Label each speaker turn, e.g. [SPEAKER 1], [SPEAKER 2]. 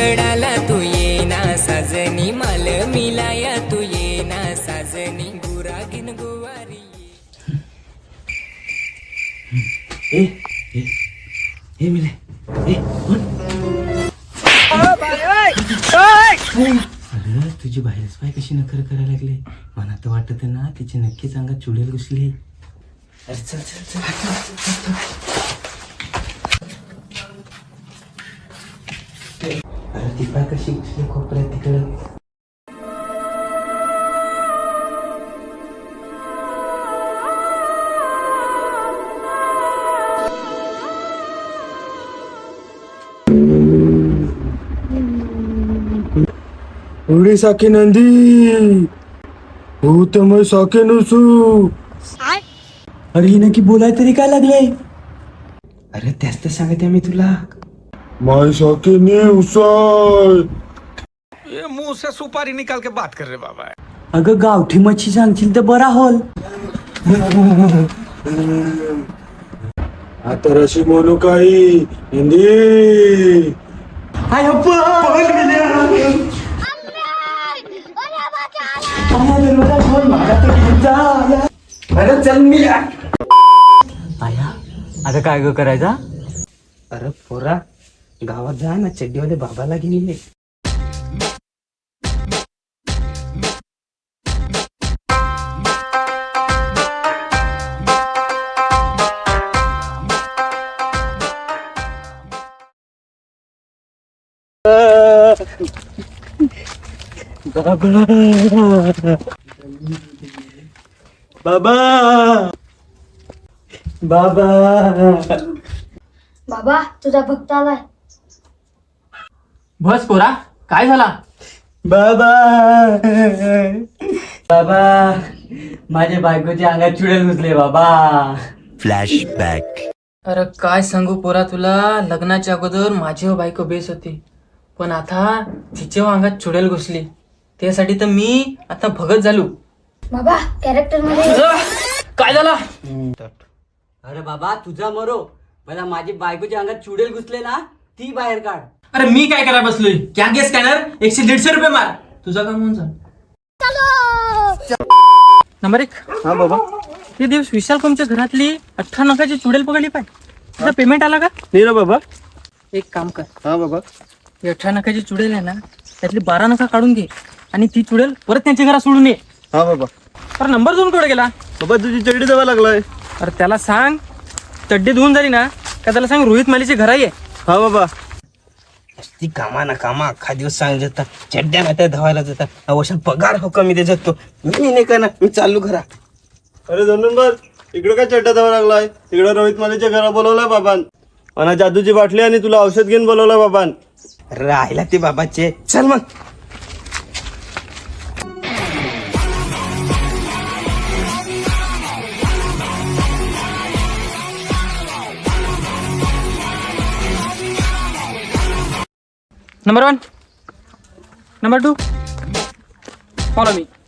[SPEAKER 1] गडाला तू ये ना साजनी माल मिलाया तू ये ना साजनी गुरागिन गुवारी
[SPEAKER 2] ए ए ए मिले ए अरे तुझी बाहेरच पाय कशी नखर करायला लागले. मला तर वाटत ना तिची नक्कीच अंगात चुडेल घुसली. अरे चल चल चल अरे ती पाय कशी घुसली खोपऱ्यात तिकडं.
[SPEAKER 3] उडी साके नंदी हो तर मग साके नसू.
[SPEAKER 2] अरे ही नक्की बोलाय तरी काय लागले. अरे त्याच तर सांगते मी तुला.
[SPEAKER 3] माय साके ने उसाय.
[SPEAKER 4] ये मुंह से सुपारी निकाल के बात कर रहे बाबा.
[SPEAKER 2] अगं गावठी मच्छी सांगशील तर बरा होल.
[SPEAKER 3] आता रशी म्हणू काही हिंदी.
[SPEAKER 2] अरे चल मी आया. अगं काय ग करायचा. अरे पोरा गावात जा ना चड्डीवाले बाबाला घेऊन ये. बाबा बाबा
[SPEAKER 5] बाबा तुझा भक्त आलाय.
[SPEAKER 6] बस पोरा काय झाला.
[SPEAKER 2] बाबा बाबा माझ्या बायकोच्या अंगात चुडेल घुसले बाबा.
[SPEAKER 6] अरे काय सांगू पोरा तुला. लग्नाच्या अगोदर माझी बायको बेस होती पण आता तिच्या अंगात चुडेल घुसली. त्यासाठी तर मी आता भगत झालो.
[SPEAKER 5] बाबा कॅरेक्टर मध्ये
[SPEAKER 6] काय झाला.
[SPEAKER 2] अरे बाबा तुझा मरो मला माझी बायकोच्या अंगात चुडेल घुसले ना ती बाहेर काढ.
[SPEAKER 6] अरे मी काय करायला बसलोय. क्या गे स्कॅनर 100-150 रुपये मार. तुझा काम होऊन जा. नंबर 1.
[SPEAKER 3] हा बाबा
[SPEAKER 6] ते दिवस विशाल कोमच्या घरातली 18 नखाची चुडेल पकडली पाय. तुझा पेमेंट आला का.
[SPEAKER 3] नाही ना बाबा.
[SPEAKER 6] एक काम कर.
[SPEAKER 3] हा बाबा
[SPEAKER 6] 18 नखाची चुडेल आहे ना त्यातली 12 नखा काढून घे आणि ती चुडेल परत त्यांच्या घरात सोडून ये.
[SPEAKER 3] हा बाबा.
[SPEAKER 6] अरे नंबर 2 कुठे गेला.
[SPEAKER 3] बाबा तुझी चड्डी जावा लागलाय.
[SPEAKER 6] अरे त्याला सांग चड्डी धुवून झाली ना का त्याला सांग रोहित मालीचे घर आहे.
[SPEAKER 3] हा बाबा.
[SPEAKER 2] ती कामा ना कामा अख्खा दिवस सांग जातात चड्ड्या नात्या धावायला जातात. अवश्य पगार हो कमी दे जातो. मी नाही का ना मी चालू घरा.
[SPEAKER 3] अरे धनुंबर इकडे काय चड्डा जावा लागलाय. इकडे रोहित मालीच्या घरा बोलवलाय बाबान. आणि जादूची बाटली आणि तुला औषध घेऊन बोलवलाय बाबान.
[SPEAKER 2] राहिला ते बाबाचे. चल मग.
[SPEAKER 6] नंबर 1 नंबर 2 फॉलो मी.